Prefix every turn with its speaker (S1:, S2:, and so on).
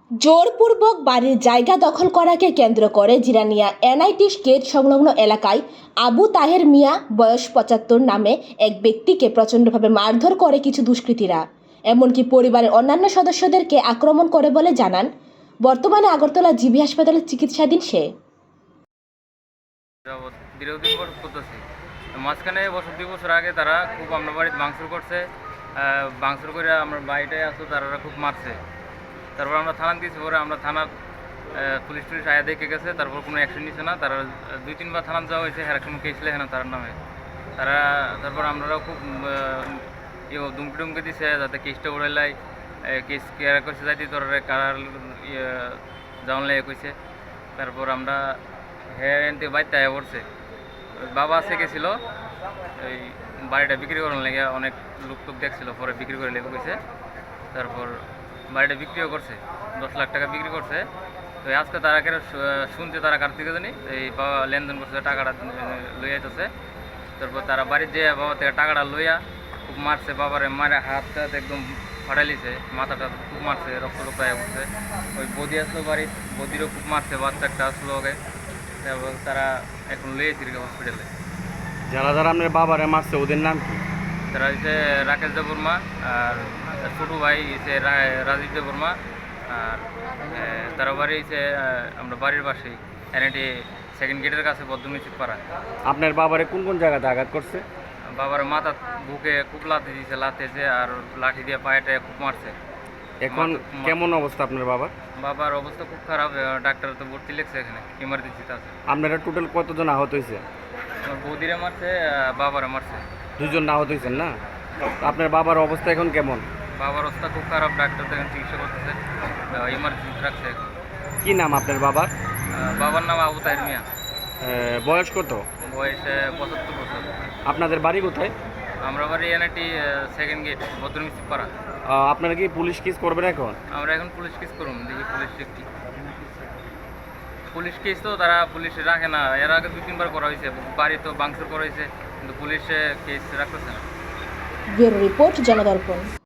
S1: জোরপূর্বক বাড়ির জায়গা দখল করাকে কেন্দ্র করে জিরানিয়া এনআইটি গেট সংলগ্ন এলাকায় আবু তাহের মিয়া বয়স ৭৫ নামে এক ব্যক্তিকে প্রচণ্ডভাবে মারধর করে কিছু দুষ্কৃতীরা, এমনকি পরিবারের অন্যান্য সদস্যদেরকে আক্রমণ করে বলে জানান বর্তমানে আগরতলা জিবি হাসপাতালে চিকিৎসাধীন সে।
S2: দীর্ঘদিন করতেছি মাঝখানে বছর ২ বছর আগে তারা খুব আমরা বাড়িতে ভাঙচুর করছে। ভাঙচুর করে আমরা বাড়িটায় আসতো, তারা খুব মারছে। তারপর আমরা থানা দিয়েছি, পরে আমরা থানার পুলিশ টুলিশ আয়া দেখে গেছে, তারপর কোনো অ্যাকশন নিচ্ছে না। তারা ২-৩ বার থানা যাওয়া হয়েছে, হ্যাঁ কোনো কেস লেখে না তার নামে। তারপর আমরাও খুব দুমকি টুমকি দিছে যাতে কেসটা উড়াইলাই, কেস কেয়ার করছে যাইতে তোর কারার যাওয়ান লাগে কইছে। তারপর আমরা হ্যাঁ এনতে বাড়িতে আয়া পড়ছে। বাবা আছে গেছিল এই বাড়িটা বিক্রি করার লেগে, অনেক লোক টোক দেখছিল, পরে বিক্রি করে লেগে গেছে। তারপর বাড়িটা বিক্রিও করছে, ১০ লাখ টাকা বিক্রি করছে। তো আজকে তারা কেন শুনছে তারা কার থেকে জানি এই বাবা লেনদেন করছে, টাকাটা লইয়া যেতেছে। তারপর তারা বাড়ির যে বাবা থেকে টাকাটা লইয়া খুব মারছে, বাবারে মারে হাতটা একদম ফাটাইলিছে, মাথাটা খুব মারছে, রক্ত রক্ত হয়ে উঠছে। ওই বদি আসলো বাড়ির, বদিরও খুব মারছে, বাচ্চা একটা আসলো আগে। তারপর তারা এখন লইয়েছি হসপিটালে।
S3: যারা যারা আপনার বাবারে মারছে ওদের নাম কি?
S2: তারা হচ্ছে রাকেশ দেববর্মা, আর ছোটো ভাই হচ্ছে রাজীব দেববর্মা, আর তারা বাড়ি হচ্ছে আমরা বাড়ির পাশেই এনআইটি সেকেন্ড গেটের কাছে বদ্ধমিচিত পাড়া।
S3: আপনার বাবারে কোন কোন জায়গাতে আঘাত করছে?
S2: বাবার মাথা বুকে খুব লাথি দিয়েছে, লাথেছে, আর লাঠি দিয়ে পায়েটা খুব মারছে।
S3: এখন কেমন অবস্থা আপনার বাবার?
S2: বাবার অবস্থা খুব খারাপ, ডাক্তার তো ভর্তি লেগছে, এখানে ইমার্জেন্সিতে আছে।
S3: আপনারা টোটাল কতজন আহত হয়েছে?
S2: আমার বৌদিরে মারছে, বাবারে মারছে।
S3: দুজন আহত হয়েছেন না? আপনার বাবার অবস্থা এখন কেমন?
S2: বাবার অবস্থা খুব খারাপ, ডাক্তার তো এখন চিকিৎসা করতেছে, ইমার্জেন্সি রাখছে এখন।
S3: কি নাম আপনার বাবার?
S2: বাবার নাম আবু তাহের মিয়া।
S3: বয়স কত?
S2: বয়স ৭৫ বছর।
S3: আপনাদের বাড়ি কোথায়?
S2: আমরা বাড়ি এনআইটি সেকেন্ড গেট বদ্রমিস্ত্রি পাড়া।
S3: আপনারা কি পুলিশ কেস করবেন এখন?
S2: আমরা এখন পুলিশ কেস করুন, দেখি পুলিশ কি। পুলিশ কেস তো তারা পুলিশে রাখে না, এর আগে ২-৩ বার করা হয়েছে, বাড়ি তো ভাঙচুর করা হয়েছে, কিন্তু পুলিশে কেস রাখতেছে না।
S1: Bureau report, জনদর্পণ।